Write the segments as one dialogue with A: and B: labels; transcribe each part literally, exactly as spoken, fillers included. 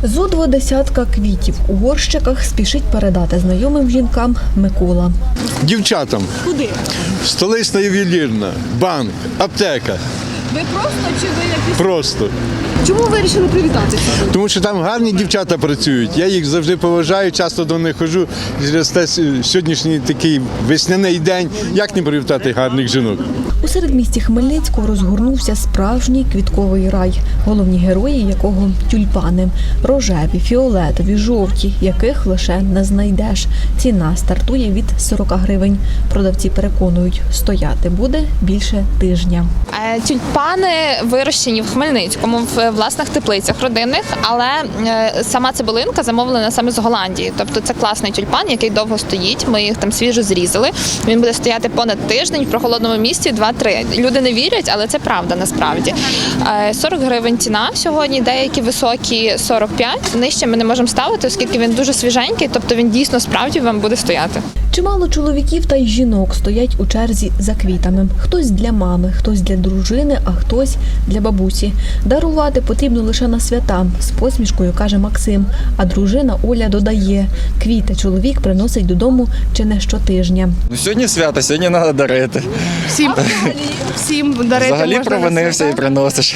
A: Зо два десятка квітів у горщиках спішить передати знайомим жінкам Микола.
B: Дівчатам.
A: Куди?
B: Столична ювелірна, банк, аптека.
A: Ви просто чи ви якісь?
B: Просто.
A: Чому ви вирішили привітатися?
B: Тому що там гарні дівчата працюють. Я їх завжди поважаю, часто до них ходжу. Через те сьогоднішній такий весняний день. Як не привітати гарних жінок?
A: У середмісті Хмельницького розгорнувся справжній квітковий рай, головні герої якого – тюльпани. Рожеві, фіолетові, жовті, яких лише не знайдеш. Ціна стартує від сорока гривень. Продавці переконують, стояти буде більше тижня.
C: Тюльпани вирощені в Хмельницькому, в власних теплицях родинних, але сама цибулинка замовлена саме з Голландії. Тобто це класний тюльпан, який довго стоїть, ми їх там свіжо зрізали. Він буде стояти понад тиждень в прохолодному місці два-три. Люди не вірять, але це правда насправді. сорок гривень ціна сьогодні, деякі високі сорок п'ять. Нижче ми не можемо ставити, оскільки він дуже свіженький, тобто він дійсно справді вам буде стояти.
A: Чимало чоловіків та й жінок стоять у черзі за квітами. Хтось для мами, хтось для дружини, а хтось для бабусі. Дарувати потрібно лише на свята, з посмішкою каже Максим. А дружина Оля додає, квіти чоловік приносить додому чи не щотижня.
D: Ну, сьогодні свято, сьогодні треба дарити.
E: Всім, всім дарити
D: Взагалі
E: можна
D: провинився
E: на
D: і
E: свята.
D: приносиш.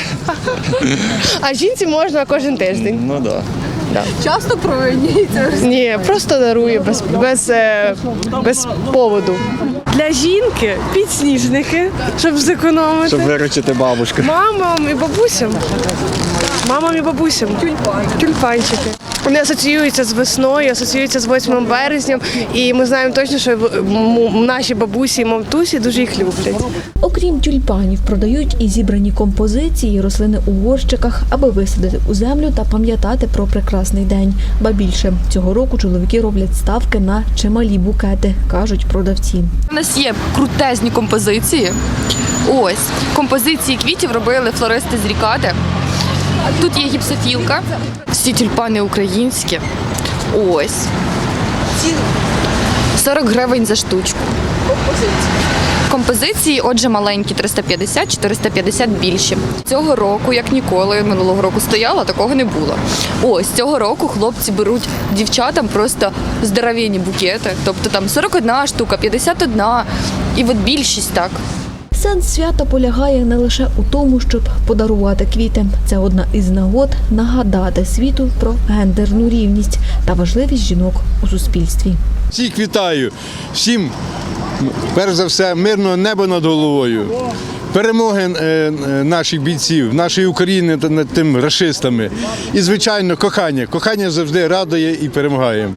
E: А жінці можна кожен тиждень.
D: Ну так. Да.
A: Часто провинюється?
E: Ні, просто дарую без, без, е, без поводу. Для жінки підсніжники, щоб зекономити.
D: Щоб виручити бабушку.
E: Мамам і бабусям. Мамам і бабусям. Тюльпанчики. Вони асоціюються з весною, асоціюються з восьмим березням. І ми знаємо точно, що м- наші бабусі і мамтусі дуже їх люблять.
A: Окрім тюльпанів, продають і зібрані композиції, рослини у горщиках, аби висадити у землю та пам'ятати про прекрасний день. Ба більше, цього року чоловіки роблять ставки на чималі букети, кажуть продавці.
F: У нас є крутезні композиції. Ось, композиції квітів робили флористи з Рікади. Тут є гіпсофілка. Всі тюльпани українські. Ось. сорок гривень за штучку. Композиції, отже, маленькі, триста п'ятдесят, чотириста п'ятдесят більші. Цього року, як ніколи, минулого року стояла, такого не було. Ось, цього року хлопці беруть дівчатам просто здоровенні букети. Тобто там сорок одна штука, п'ятдесят одна і от більшість так.
A: Сенс свята полягає не лише у тому, щоб подарувати квіти. Це одна із нагод нагадати світу про гендерну рівність та важливість жінок у суспільстві.
B: Всіх вітаю, всім, перш за все, мирного неба над головою. Перемоги е, наших бійців, нашої України над тими рашистами. І, звичайно, кохання. Кохання завжди радує і перемагає.